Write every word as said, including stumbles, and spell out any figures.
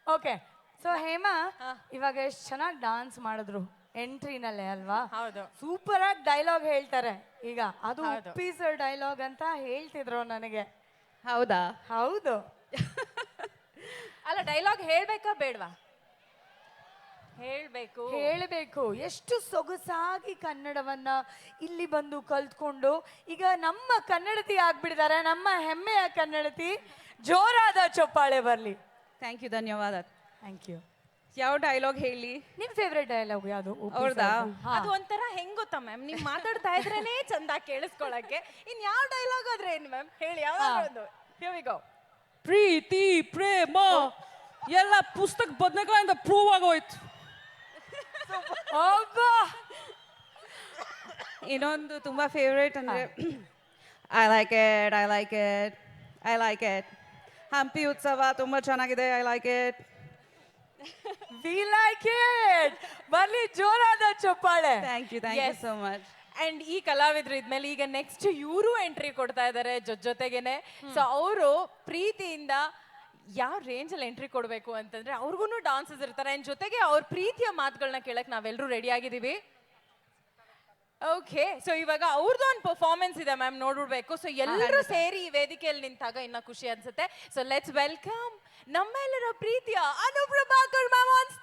Okay so Hema ಇವಾಗ ಎಷ್ಟು ಚೆನ್ನಾಗಿ ಡಾನ್ಸ್ ಮಾಡಿದ್ರು ಎಂಟ್ರಿನಲ್ಲೇ ಅಲ್ವಾ? ಹೌದು. ಸೂಪರ್ ಆಗಿ ಡೈಲಾಗ್ ಹೇಳ್ತಾರೆ ಈಗ. ಅದು ಹೌದು. ಉಪ್ಪಿ ಸರ್ ಡೈಲಾಗ್ ಅಂತ ಹೇಳ್ತಿದ್ರು ನನಗೆ. ಹೌದಾ? ಹೌದು. ಅಲ್ಲ ಡೈಲಾಗ್ ಹೇಳ್ಬೇಕಾ ಬೇಡ್ವಾ? ಹೇಳ್ಬೇಕು. ಹೇಳಬೇಕು. ಎಷ್ಟು ಸೊಗಸಾಗಿ ಕನ್ನಡವನ್ನ ಇಲ್ಲಿ ಬಂದು ಕಲ್ತ್ಕೊಂಡು ಈಗ ನಮ್ಮ ಕನ್ನಡತಿ ಆಗ್ಬಿಟ್ಟಿದ್ದಾರೆ. ನಮ್ಮ ಹೆಮ್ಮೆಯ ಕನ್ನಡತಿ. ಜೋರಾದ ಚಪ್ಪಾಳೆ ಬರ್ಲಿ. ಥ್ಯಾಂಕ್ ಯು, ಧನ್ಯವಾದ. Thank you. ಯಾವ ಡೈಲಾಗ್ ಹೇಳಿ? ನಿಮ್ ಫೇವ್ರೆಟ್ ಡೈಲಾಗ್ ಯಾವುದು? ಅವ್ರದಾ? ಅದು ಒಂಥರ ಹೆಂಗ್ ಗೊತ್ತಾ ಮ್ಯಾಮ್, ನೀವ್ ಮಾತಾಡ್ತಾ ಇದ್ರೇನೆ ಚಂದ ಕೇಳಿಸ್ಕೊಳಕ್ಕೆ. ಇನ್ ಯಾವ ಡೈಲಾಗ್ ಆದ್ರೆ ಏನ್ ಮ್ಯಾಮ್ ಹೇಳಿ, ಯಾವ್ದಾದ್ರು ಒಂದು. Here we go. ಪ್ರೀತಿ ಪ್ರೇಮ ಎಲ್ಲ ಪುಸ್ತಕ ಬದನೆಕಾಯಿಂದ ಪ್ರೂವ್ ಆಗೋಯ್ತು. ಇನ್ನೊಂದು ತುಂಬಾ ಫೇವ್ರೇಟ್ ಅಂದ್ರೆ I like it I like it I like it Hampi Utsav ತುಂಬಾ ಚೆನ್ನಾಗಿದೆ, I like it. We like it. ಬರ್ಲಿ ಜೋರಾದ ಚಪ್ಪಾಳೆ. Thank you, thank you Yes. So much. And ಈ ಕಲಾವಿದ್ರು ಇದ್ಮೇಲೆ ಈಗ ನೆಕ್ಸ್ಟ್ ಇವರು ಎಂಟ್ರಿ ಕೊಡ್ತಾ ಇದ್ದಾರೆ ಜೊತೆಗೇನೆ. ಸೊ ಅವರು ಪ್ರೀತಿಯಿಂದ ಯಾವ ರೇಂಜ್ ಅಲ್ಲಿ ಎಂಟ್ರಿ ಕೊಡ್ಬೇಕು ಅಂತಂದ್ರೆ ಅವ್ರಿಗೂ ಡಾನ್ಸಸ್ ಇರ್ತಾರೆ. ಅಂಡ್ ಜೊತೆಗೆ ಅವ್ರ ಪ್ರೀತಿಯ ಮಾತುಗಳನ್ನ ಕೇಳಕ್ ನಾವೆಲ್ಲರೂ ರೆಡಿ ಆಗಿದ್ದೀವಿ. ಓಕೆ, ಸೊ ಇವಾಗ ಅವ್ರದ್ದು ಒಂದು ಪರ್ಫಾರ್ಮೆನ್ಸ್ ಇದೆ ಮ್ಯಾಮ್, ನೋಡ್ಬಿಡ್ಬೇಕು. ಸೊ ಎಲ್ಲರೂ ಸೇರಿ ಈ ವೇದಿಕೆಯಲ್ಲಿ ನಿಂತಾಗ ಇನ್ನ ಖುಷಿ ಅನ್ಸುತ್ತೆ. ಸೊ ಲೆಟ್ಸ್ ವೆಲ್ಕಮ್ ನಮ್ಮೆಲ್ಲರ ಪ್ರೀತಿಯ ಅನುಪ್ರಭಾಕರ್ ಮ್ಯಾಮ್ ಆನ್